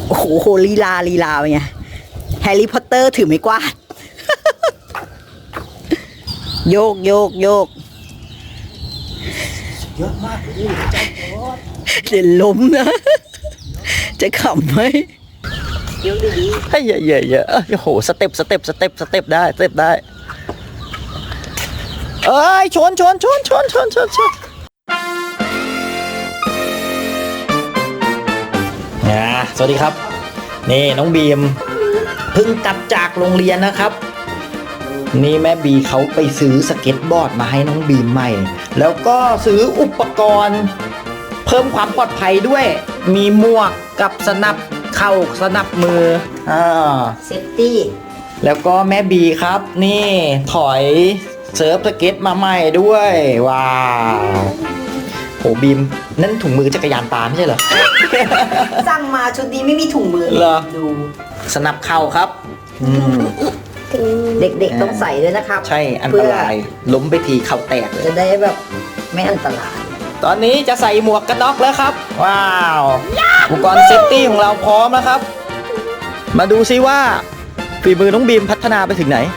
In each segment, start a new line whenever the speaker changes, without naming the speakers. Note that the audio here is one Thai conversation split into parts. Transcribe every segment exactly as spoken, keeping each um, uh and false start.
โอ้โหลีลาลีลาเป็นไงแฮร์รี่พอตเตอร์ถือไม้กวาด โยกโยกโยก
เยอะมากเลยเจ้าโอ๊ต
เดี๋ยวล้มนะ จะขำไหม
เดี๋ยวดี
ให้เยอะเยอะเยอะโอ้โหสเต็ปสเต็ปสเต็ปสเต็ปได้สเต็ปได้เอ้ยชนชนชนชนชนชนชนนะสวัสดีครับนี่น้องบีมเพิ่งกลับจากโรงเรียนนะครับนี่แม่บีเขาไปซื้อสเก็ตบอร์ดมาให้น้องบีมใหม่แล้วก็ซื้ออุปกรณ์เพิ่มความปลอดภัยด้วยมีหมวกกับสนับเข่าสนับมืออ่า
เซฟตี้
แล้วก็แม่บีครับนี่ถอยเซิร์ฟสเก็ตมาใหม่ด้วยว้าวโหบีมนั่นถุงมือจักรยานปลาไม่ใช่เหรอ
สั่งมาชุดนี้ไม่มีถุงมือ
เหรอ
ดู
สนับเข่าครับอืม
เด็กๆต้องใส่ด้วยนะครับ
ใช่อันตรายล้มไปทีเข่าแตกเลย
จะได้แบบไม่อันตราย
ตอนนี้จะใส่หมวกกันน็อกแล้วครับว้าวอุปกรณ์เซฟตี้ของเราพร้อมแล้วครับมาดูซิว่าฝีมือน้องบีมพัฒนาไปถึงไหน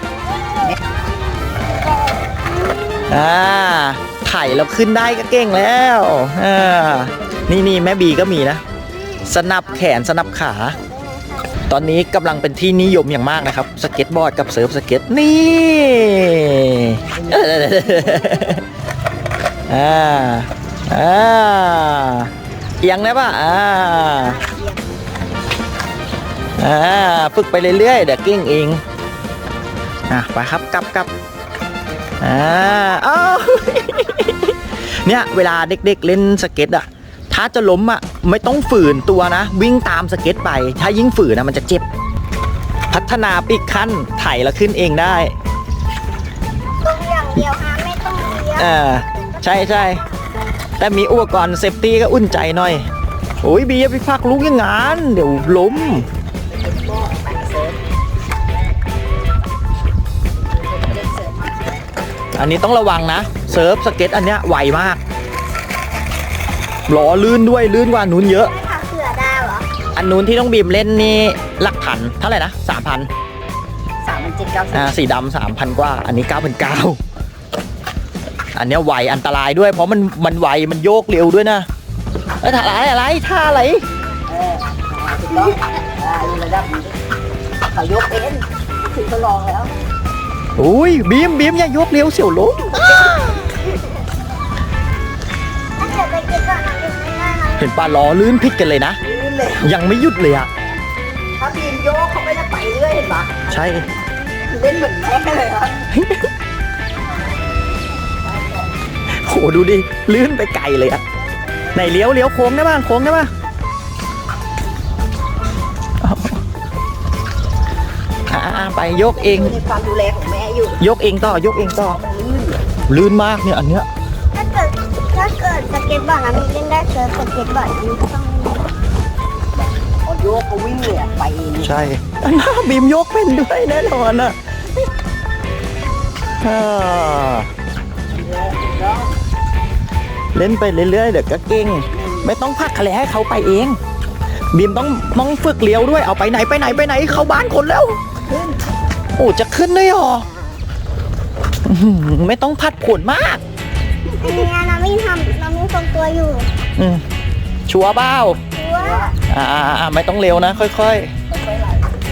อ่าถ่ายแล้วขึ้นได้ก็เก่งแล้วอ่านี่นี่แม่บีก็มีนะสนับแขนสนับขาตอนนี้กำลังเป็นที่นิยมอย่างมากนะครับสเก็ตบอร์ดกับเซิร์ฟสเก็ตนี่อ่าอ่าเอียงได้ป่ะอ่าอ่าฝึกไปเรื่อยๆเดี๋ยวเก่งเองอ่ะไปครับกลับกลับอ่าอ้าวเนี่ยเวลาเด็กๆเล่นสเก็ตอ่ะถ้าจะล้มอ่ะไม่ต้องฝืนตัวนะวิ่งตามสเก็ตไปถ้ายิ่งฝืนนะมันจะเจ็บพัฒนาปีกขั้นไถแล้วขึ้นเองได้
ต้องอย่างเดียวฮะไม่ต้องเลี้ยว
อ่าใช่ใช่แต่มีอุปกรณ์เซฟตี้ก็อุ่นใจหน่อยโอ้ยบีอย่าไปพักลุกอย่างงั้นเดี๋ยวล้มอันนี้ต้องระวังนะเซิร์ฟสเก็ตอันเนี้ยไวมากล้อลื่นด้วยลื่นกว่านู้นเยอะ
ขาเสือดาวเหรอ
อันนู้นที่ต้องบีมเล่นนี่หลักพันเท่าไหร่นะสามพัน
สามพันเจ็ดเก้าสิบ
อ่าสีดำสามพันกว่าอันนี้เก้าพันเก้าอันเนี้ยไวอันตรายด้วยเพราะมันมันไวมันโยกเร็วด้วยนะเอ้ยท่าอะไรอะไรท่าอะไร
เออถูกต้องอ่าอยู่ระดับนี้เขายกเองถึงทดลองแล้ว
อุ้ยบีมบีมอย่ายกเร็วเสี่ยวล้ม
ถ้าเกิดไปกินก่อนนะยังไม่ได้นะ
เห็นปลาล้อลื่นพิษกันเลยนะ
ลื่นเลย
ยังไม่หยุดเลยอะ
ถ้าบีมโยกเขาไม่ได้ไปเรื่อยเห็นปะ
ใช่
เล่นเหมือนแม่เลยครับ
โหดูดิลื่นไปไกลเลยอะไหนเลี้ยวเลี้ยวโค้งได้บ้างโค้งได้บ้างอ่าไปยกเอง
อยู่ในความดูแลของแม่อยู่
ยกเองต่อยกเองต่อ
มันลื่น
ลื่นมากเนี่ยอันเนี้ย
ถ้าเกิดถ้าเกิดสเก็ตบอร์ดนะมีเล่นได้เซิร์ฟสเก็ตบอร์ดมีก็ต้องเล่น
พอโยกก็วิ่งเลยอะไปเอง
ใช่อันน่าบีมยกเป็นด้วยแน่นอนอะอ่าเล่นไปเรื่อยๆเดี๋ยวก็เก่งไม่ต้องพักอะไรให้เขาไปเองบีมต้องมองฝึกเลี้ยวด้วยเอาไปไหนไปไหนไปไหนเข้าบ้านคนแล้วโอ้จะขึ้นได้หรออื้อหือไม่ต้องพัดผลมาก
อันนี้นะมีทำเรามีทรงตัวอยู่
อืมชัวร์เบ้า
ดูว่า
อ่าอ่าอ่าไม่ต้องเร็วนะค่อย
ค่อยๆไหล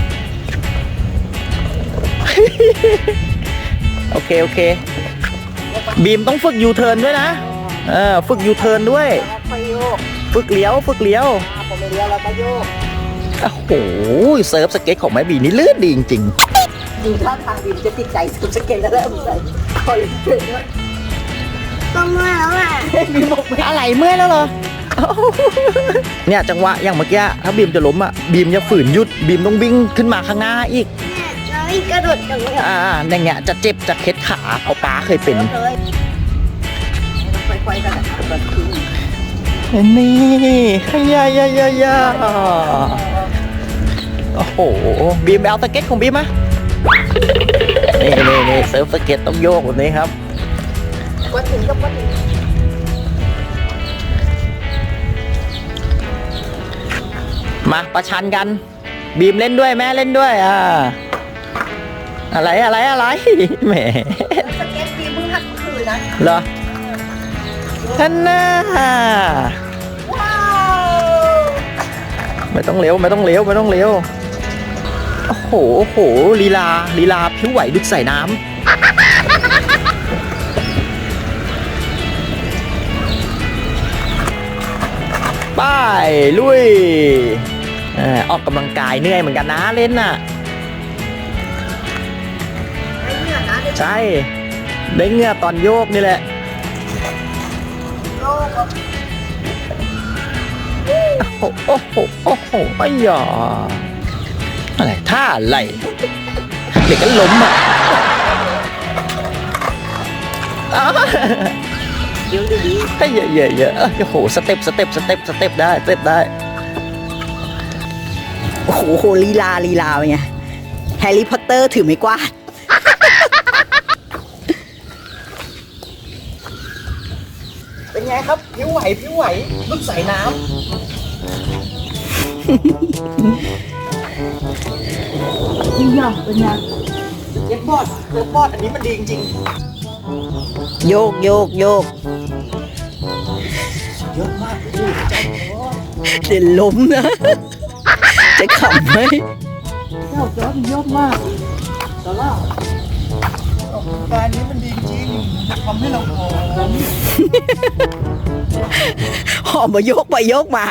ๆ โอเคโอเคบีมต้องฝึกยูเทิร์นด้วยนะเออฝึกยูเทิร์นด้วย
แล้วค่อยโยก
ฝึกเลี้ยวฝึกเลี้ยว
อ่าผมไม่เลี้ยวแล้วก็โยก
โอ้โหเซิร์ฟสเก็ตของแม่บีนี่ลื่นดีจริง
ดูท่าทางบีมจะติดใจสุดสเก็ตแล้วเริ่มใส่คอยเล่นด้วย
ก็เมื่อแล้วอ่ะ
บีมบอกไม่
ๆอะไรเมื่อยแล้วเหรอ เนี่ยจังหวะอย่างเมื่อกี้ถ้าบีมจะล้มอ่ะบีมจะฝืนหยุดบีมต้องวิ่งขึ้นมาข้างหน้าอีก
เนี่ยเราวิ่งกระโดดตรงนี้
อ่าอย่างเงี้ยจะเจ็บจะเคล็ดขาเพราะป้าเคยเป็น
เลยค่อยๆกันนะครับแบบคือ
นี่ขยายายายาโอ้โหบีมไปเอาสเก็ตของบีมมานี่นี่นี่เซิร์ฟสเก็ตต้องโยกแบบนี้ครับ
ก็ถึงก็ก็ถึง
บมาประชันกัน บีมเล่นด้วยแม่เล่นด้วยอ่าอะไรอะไรอะไรแหม
สเก็ตบีมเพิ่งหัดเมื่อคืนนะ
เหรอท่านน่า
ว้าว
ไม่ต้องเร็วไม่ต้องเร็วไม่ต้องเร็วโอ้โหโอ้โหลีลาลีลาผิวไหวดุดใส่น้ำไปลุยเอ่อออกกำลังกายเหนื่อยเหมือนกันนะเล่นน่ะ
ไม่เหนื่อยนะเด็ก
ใช่ได้เหงื่อตอนโยกนี่แหละ
โลกอะ
โอ้โหโอ้โหโอ้โหไอ้หยออะไรท่าอะไรเด็กก็ล้มอ่ะอ้าว
เดี๋ยวดี
เฮ้ยเยอะเยอะเยอะโอ้โหสเต็ปสเต็ปสเต็ปสเต็ปได้สเต็ปได้
โอ้โหลีลาลีลาเป็นไงแฮร์รี่พอตเตอร์ถือไม้กวาด
เป็นไงครับผิวไหวผิวไหวลุกใส่น้
ๆนี่ยังเป็นไง
ำเย็บบอร์ดเย็บบอร์ดอันนี้มันดีจริง
โยกโยกโยก
ๆเยอะมากพี่
เดี๋ยวล้มนะ จะขำไหม
เจ้าจอร์ดยอดมากตลอด
ออกกำลังกายนี้มันดีจริงทำให้เราหอม
หอมมาโยกไปโยกมา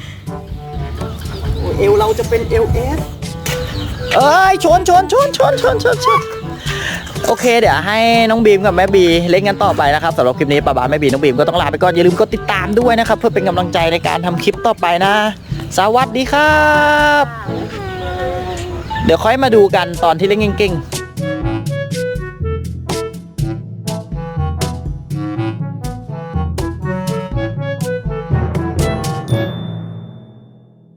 เอวเราจะเป็นเอลเอสเอ้ยชนชนชนชนชนชนชนโอเคเดี๋ยวให้น้องบีมกับแม่บีเล่นกันต่อไปนะครับสำหรับคลิปนี้ป้าบาแม่บีน้องบีมก็ต้องลาไปก่อนอย่าลืมกดติดตามด้วยนะครับเพื่อเป็นกำลังใจในการทำคลิปต่อไปนะ สวัสดีครับ เดี๋ยวค่อยมาดูกันตอนที่เล่นเก่งๆ